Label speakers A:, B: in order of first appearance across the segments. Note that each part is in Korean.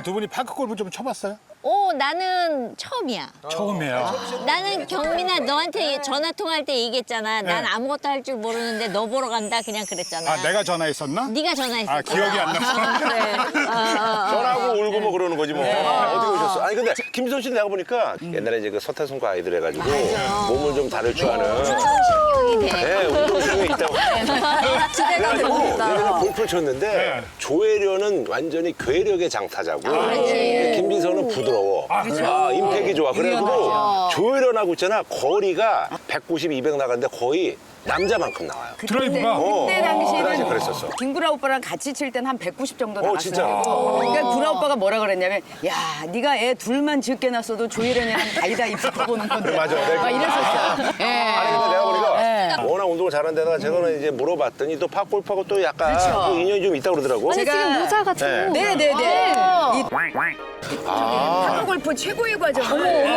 A: 두 분이 파크 골프 좀 쳐봤어요?
B: 나는 처음이야.
A: 처음이에요.
B: 나는 경민아 너한테 전화 통화할 때 얘기했잖아. 난 아무것도 할 줄 모르는데 너 보러 간다 그냥 그랬잖아.
A: 아, 내가 전화했었나?
B: 네가 전화했어.
A: 아, 기억이 안 났어.
B: 그래.
C: 전화하고 울고 뭐 그러는 거지 뭐. 어떻게 오셨어? 아니 근데 김지선 씨 내가 보니까 옛날에 이제 그 서태순과 아이들 해가지고 몸을 좀 다룰 줄 아는
B: 운동신경이 돼.
C: 네, 운동신경이 있다고.
D: 기대가
C: 그래가지고
D: 됩니다.
C: 예전에 골프를 쳤는데
A: 네.
C: 조혜련은 완전히 괴력의 장타자고 김지선은 부드러워.
A: 그렇죠.
C: 임팩이 좋아. 그래가지고 조혜련하고 있잖아. 거리가 190, 200 나가는데 거의 남자만큼 나와요.
A: 드라이브가?
D: 그때
C: 그 당시
D: 당시에는
C: 그랬었어.
D: 김구라 오빠랑 같이 칠 땐 한 190 정도 나갔어요.
C: 진짜?
D: 그러니까 구라 오빠가 뭐라 그랬냐면 야, 네가 애 둘만 적게 낳았어도 조혜련이랑 다이다이 붙어보는 건데.
C: 맞아.
D: 막 이랬었어요. 예.
C: 아니 근데 내가 보니까 워낙 운동을 잘하는 데다가 제가는 이제 물어봤더니 또 팝골프하고 또 약간
D: 그렇죠.
C: 또 인연이 좀 있다고 그러더라고.
D: 제가
B: 모자 같은
C: 네.
D: 네네네. 이
C: 아.
D: 파크 골프 최고의 과정을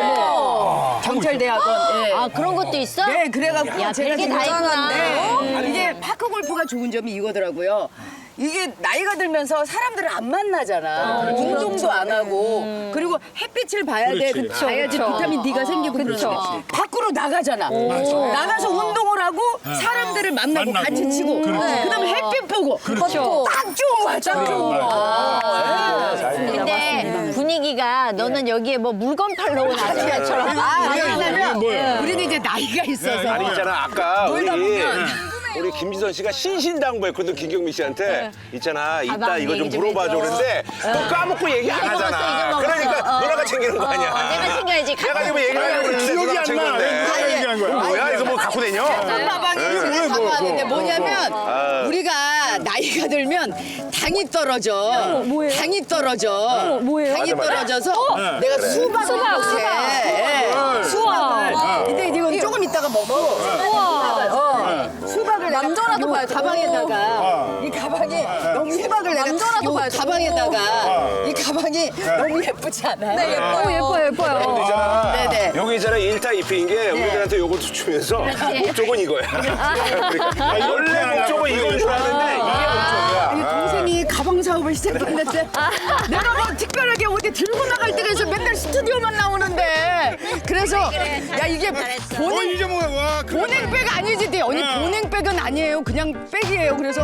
D: 경찰대학원. 예.
B: 아 그런 것도 있어?
D: 네, 그래갖고
B: 야,
D: 제가
B: 별게
D: 지금
B: 다 있구나.
D: 네. 이게 파크 골프가 좋은 점이 이거더라고요. 이게 나이가 들면서 사람들을 안 만나잖아. 운동도 안 하고. 그리고 햇빛을 봐야 돼.
A: 그렇지.
D: 봐야지 비타민 D가 생기고 그러지. 밖으로 나가잖아. 나가서 운동을 하고 사람들을 만나고
A: 만나고.
D: 같이 치고. 그다음에 햇빛 보고.
B: 그렇죠.
D: 딱 좋은 거야, 딱 좋은 거야.
B: 근데 분위기가 너는 여기에 뭐 물건 팔러 온 아저씨처럼.
D: 왜냐면 우리는 이제 나이가 있어서.
C: 아니 있잖아 아까
D: 놀다
C: 우리 김지선 씨가 신신당부했거든 김경민 씨한테 있잖아 이따
B: 가방
C: 이거 좀
B: 얘기 좀
C: 물어봐줘
B: 해줘.
C: 그랬는데 또 까먹고 얘기 안
B: 이거 먹었어,
C: 하잖아.
B: 이거 먹었어.
C: 그러니까 누나가 챙기는 거 아니야.
B: 내가 챙겨야지.
C: 내가 지금 얘기하려고 그랬는데
A: 기억이
C: 누나가
A: 안 나.
C: 챙겼네.
A: 누가 얘기한 거야?
C: 뭐야 이거 뭐 갖고 다녀?
D: 가방에 지금 갖고 왔는데 뭐냐면 우리가 나이가 들면 당이 떨어져. 당이 떨어져. 당이
C: 맞아.
D: 떨어져서 내가 수박을 못해. 수박을. 근데 이건 조금 있다가 먹고. 수박을 남자라도 봐요. 가방에다가 이 가방이 너무 수박을 남자라도 봐요. 가방에다가 이 가방이 너무 예쁘지 않아요? 네,
C: 근데 있잖아.
D: 네네.
C: 여기 있잖아 1타 2피인 게 우리들한테 요것도 주면서 목적은 이거야. 그러니까 원래 목적은 이건 줄 아는데 이게 목적이야.
D: 아니 동생이 가방 사업을 시작했는데 내가 뭐 특별하게 어디 들고 나갈 때가 있어 맨날 스튜디오만 나오는데 그래서 야 이게 보냉
A: 이제 뭐야? 와,
D: 보냉백 아니지 네 언니 보냉백은 아니에요 그냥 백이에요 그래서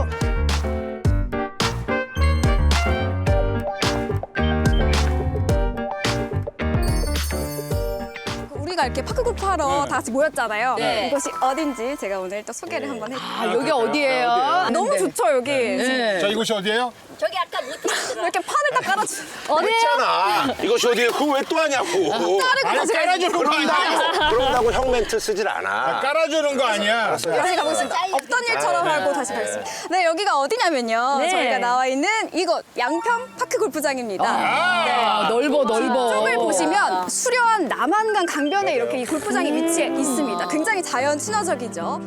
E: 우리가 이렇게 파크 골프 하러 다 같이 모였잖아요.
D: 네.
E: 이곳이 어딘지 제가 오늘 또 소개를 한번 해드릴게요.
D: 아 여기 어디예요?
E: 너무 좋죠, 여기.
D: 네.
A: 자, 이곳이 어디예요?
B: 저기 아까 못했어.
E: 이렇게 판을 딱 깔아주.
C: 했잖아. 이것이 어디에 그거 왜 또 하냐고.
A: 아니, 깔아주는 거 아니야.
C: 그런다고 형 멘트 쓰질 않아.
A: 깔아주는 거 아니야.
E: 다시 가보겠습니다. 없던 일처럼 하고 다시 가겠습니다. 네, 여기가 어디냐면요.
B: 네.
E: 저희가 나와 있는 이곳 양평 파크 골프장입니다.
D: 아, 넓어 넓어
E: 쪽을 보시면 수려한 남한강 강변에 이렇게 이 골프장이 위치해 있습니다. 굉장히 자연 친화적이죠.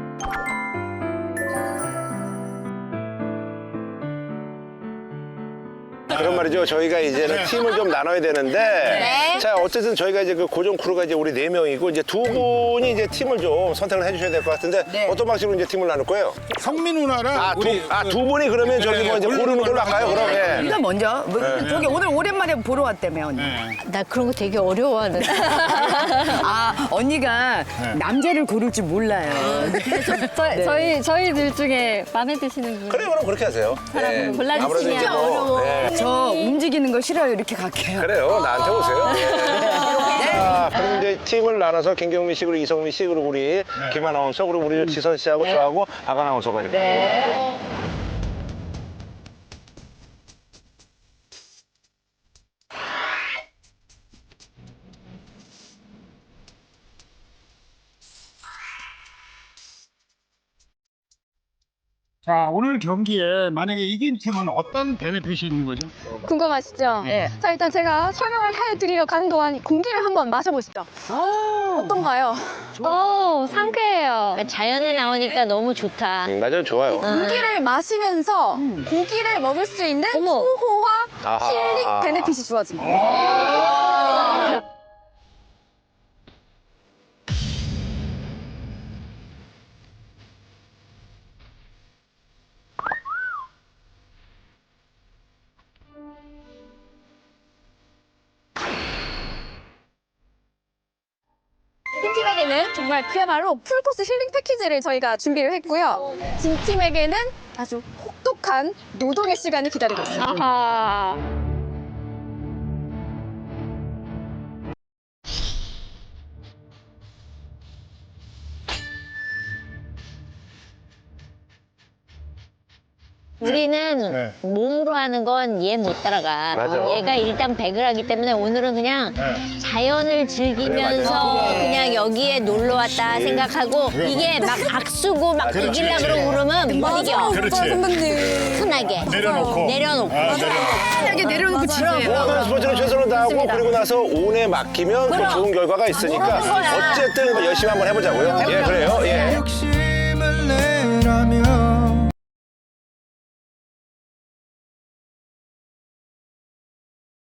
C: 그런 말이죠. 저희가 이제는 팀을 좀 나눠야 되는데, 자 어쨌든 저희가 이제 그 고정 크루가 이제 우리 4명이고 이제 두 분이 이제 팀을 좀 선택을 해주셔야 될 것 같은데 어떤 방식으로 이제 팀을 나눌 거예요?
A: 성민 누나랑
C: 두 분이 그러면 저기 뭐 이제 고르는 걸로 할까요? 그럼 예.
D: 일단 먼저 뭐, 저기 오늘 오랜만에 보러 왔다며 언니
B: 나 그런 거 되게 어려워하는데.
D: 아 언니가 남자를 고를 줄 몰라요
F: 저희들 중에 마음에 드시는 분.
C: 그래 그럼 그렇게 하세요. 예.
B: 골라주시면
C: 아무래도 이제 뭐,
B: 어려워.
C: 예.
D: 저 움직이는 거 싫어요 이렇게 갈게요
C: 그래요. 나한테 오세요. 자, 그럼 이제 팀을 나눠서 김경민 씨 그리고 이성민 씨 그리고 우리 김 아나운서 그리고 우리 지선 씨하고 저하고 박 아나운서가 이렇게.
A: 자, 오늘 경기에 만약에 이긴 팀은 어떤 베네핏이 있는 거죠?
F: 궁금하시죠?
D: 네.
F: 자, 일단 제가 설명을 해드리러 가는 동안 공기를 한번 마셔보시죠. 어떤가요? 상쾌해요.
B: 자연에 나오니까 너무 좋다.
C: 맞아요. 좋아요.
F: 공기를 마시면서 고기를 먹을 수 있는 소호와
C: 아하.
F: 힐링 베네핏이 주어집니다. 팀에게는 정말 그야말로 풀코스 힐링 패키지를 저희가 준비를 했고요. 진 팀에게는 아주 혹독한 노동의 시간이 기다리고 있습니다. 아하.
B: 우리는
A: 네.
B: 몸으로 하는 건 얘 못 따라가.
C: 맞아.
B: 얘가 일단 배그를 하기 때문에 오늘은 그냥 자연을 즐기면서 그냥 여기에 놀러 왔다 생각하고 이게 막 박수고 막
A: 그렇지,
B: 이기려고
A: 그렇지.
B: 그러면 못 이겨.
A: 그렇지.
B: 편하게.
A: 내려놓고.
B: 내려놓고.
D: 편하게 내려놓고 치세요.
C: 모든 스포츠는 최선을 다하고 그리고 나서 운에 맡기면 또 좋은 결과가 있으니까 어쨌든 열심히 한번 해보자고요. 예, 그래요. 예.
G: 욕심을 내라면